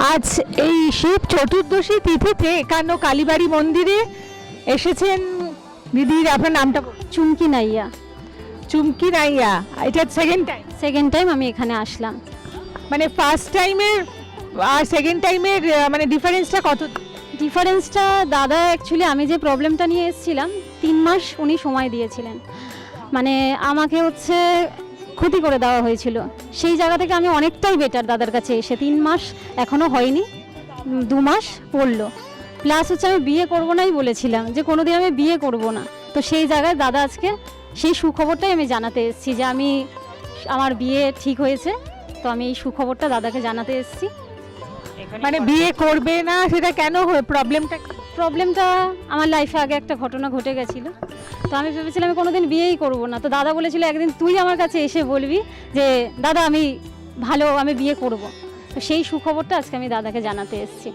আজ এই শিব চতুর্দশী তিথিতে একান্ন কালীবাড়ি মন্দিরে এসেছেন দিদির। আপনার নামটা চুমকি নাইয়া। চুমকি নাইয়া, এটা সেকেন্ড টাইম আমি এখানে আসলাম। মানে ফার্স্ট টাইমের আর সেকেন্ড টাইমের মানে ডিফারেন্সটা কত? ডিফারেন্সটা দাদা অ্যাকচুয়ালি আমি যে প্রবলেমটা নিয়ে এসেছিলাম 3 মাস উনি সময় দিয়েছিলেন। মানে আমাকে হচ্ছে ক্ষতি করে দেওয়া হয়েছিল, সেই জায়গা থেকে আমি অনেকটাই বেটার দাদার কাছে এসে। 3 মাস এখনও হয়নি, 2 মাস পড়লো। প্লাস হচ্ছে আমি বিয়ে করবো নাই বলেছিলাম, যে কোনোদিন আমি বিয়ে করব না। তো সেই জায়গায় দাদা আজকে সেই সুখবরটাই আমি জানাতে এসেছি যে আমার বিয়ে ঠিক হয়েছে। তো আমি এই সুখবরটা দাদাকে জানাতে এসেছি। মানে বিয়ে করবে না সেটা কেন হয়? প্রবলেমটা আমার লাইফে আগে একটা ঘটনা ঘটে গেছিলো, তো আমি ভেবেছিলাম আমি কোনোদিন বিয়েই করব না। তো দাদা বলেছিল একদিন তুই আমার কাছে এসে বলবি যে দাদা আমি বিয়ে করব। তো সেই সুখবরটা আজকে আমি দাদাকে জানাতে এসেছি।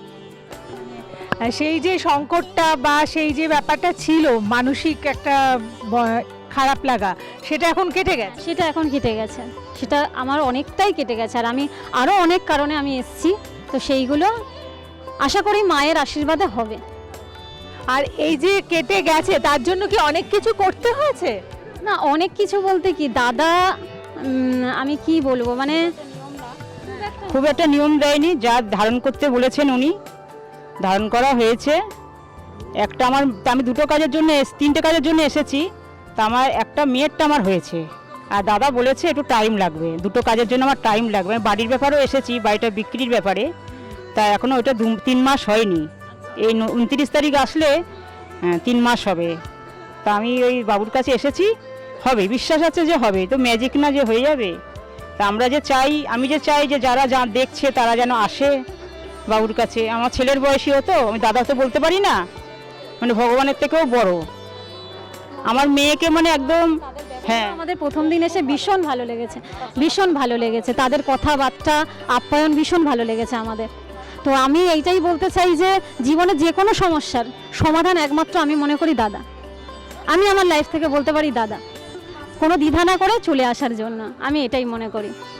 সেই যে সংকটটা বা সেই যে ব্যাপারটা ছিল মানসিক একটা খারাপ লাগা, সেটা এখন কেটে গেছে? সেটা এখন কেটে গেছে, সেটা আমার অনেকটাই কেটে গেছে। আর আমি আরও অনেক কারণে আমি এসেছি, তো সেইগুলো আশা করি মায়ের আশীর্বাদে হবে। আর এই যে কেটে গেছে তার জন্য কি অনেক কিছু করতে হয়েছে? না, অনেক কিছু বলতে কি দাদা, আমি কি বলবো, মানে খুব একটা নিয়ম দেয়নি, যা ধারণ করতে বলেছেন উনি ধারণ করা হয়েছে। একটা আমি দুটো কাজের জন্য 3টে কাজের জন্য এসেছি, তা আমার একটা মেয়েরটা আমার হয়েছে। আর দাদা বলেছে একটু টাইম লাগবে, দুটো কাজের জন্য আমার টাইম লাগবে। আমি বাড়ির ব্যাপারেও এসেছি, বাড়িটা বিক্রির ব্যাপারে, তা এখনও ওইটা 3 মাস হয়নি। এই 29 তারিখ আসলে 3 মাস হবে। তা আমি ওই বাবুর কাছে এসেছি, হবে, বিশ্বাস আছে যে হবে, তো ম্যাজিক না যে হয়ে যাবে। তা আমি যে চাই যে যারা দেখছে তারা যেন আসে বাবুর কাছে। আমার ছেলের বয়সী হতো, আমি দাদা তো বলতে পারি না, মানে ভগবানের থেকেও বড় আমার মেয়েকে, মানে একদম। হ্যাঁ, আমাদের প্রথম দিন এসে ভীষণ ভালো লেগেছে তাদের কথাবার্তা, আপ্যায়ন ভীষণ ভালো লেগেছে আমাদের। তো আমি এইটাই বলতে চাই যে জীবনে যে কোনো সমস্যার সমাধান একমাত্র আমি মনে করি দাদা। আমি আমার লাইফ থেকে বলতে পারি দাদা, কোনো দ্বিধা না করে চলে আসার জন্য, আমি এটাই মনে করি।